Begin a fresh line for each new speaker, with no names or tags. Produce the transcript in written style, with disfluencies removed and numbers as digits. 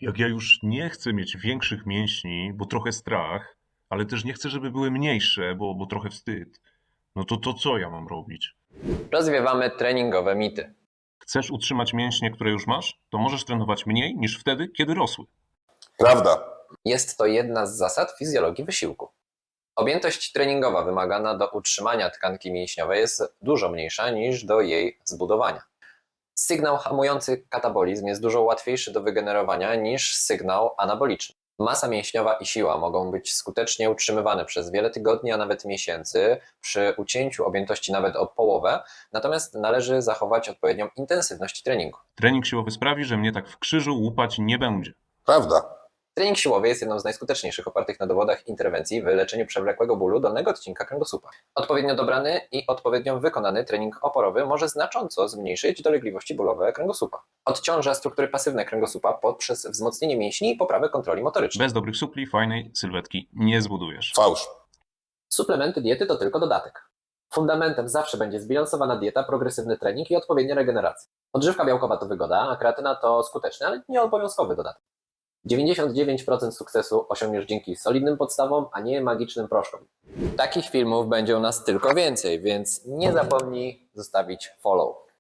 Jak ja już nie chcę mieć większych mięśni, bo trochę strach, ale też nie chcę, żeby były mniejsze, bo trochę wstyd, no to co ja mam robić?
Rozwiewamy treningowe mity.
Chcesz utrzymać mięśnie, które już masz? To możesz trenować mniej niż wtedy, kiedy rosły.
Prawda.
Jest to jedna z zasad fizjologii wysiłku. Objętość treningowa wymagana do utrzymania tkanki mięśniowej jest dużo mniejsza niż do jej zbudowania. Sygnał hamujący katabolizm jest dużo łatwiejszy do wygenerowania niż sygnał anaboliczny. Masa mięśniowa i siła mogą być skutecznie utrzymywane przez wiele tygodni, a nawet miesięcy przy ucięciu objętości nawet o połowę, natomiast należy zachować odpowiednią intensywność treningu.
Trening siłowy sprawi, że mnie tak w krzyżu łupać nie będzie.
Prawda.
Trening siłowy jest jedną z najskuteczniejszych opartych na dowodach interwencji w leczeniu przewlekłego bólu dolnego odcinka kręgosłupa. Odpowiednio dobrany i odpowiednio wykonany trening oporowy może znacząco zmniejszyć dolegliwości bólowe kręgosłupa. Odciąża struktury pasywne kręgosłupa poprzez wzmocnienie mięśni i poprawę kontroli motorycznej.
Bez dobrych supli fajnej sylwetki nie zbudujesz.
Fałsz.
Suplementy diety to tylko dodatek. Fundamentem zawsze będzie zbilansowana dieta, progresywny trening i odpowiednia regeneracja. Odżywka białkowa to wygoda, a kreatyna to skuteczny, ale nie obowiązkowy dodatek. 99% sukcesu osiągniesz dzięki solidnym podstawom, a nie magicznym proszkom. Takich filmów będzie u nas tylko więcej, więc nie zapomnij zostawić follow.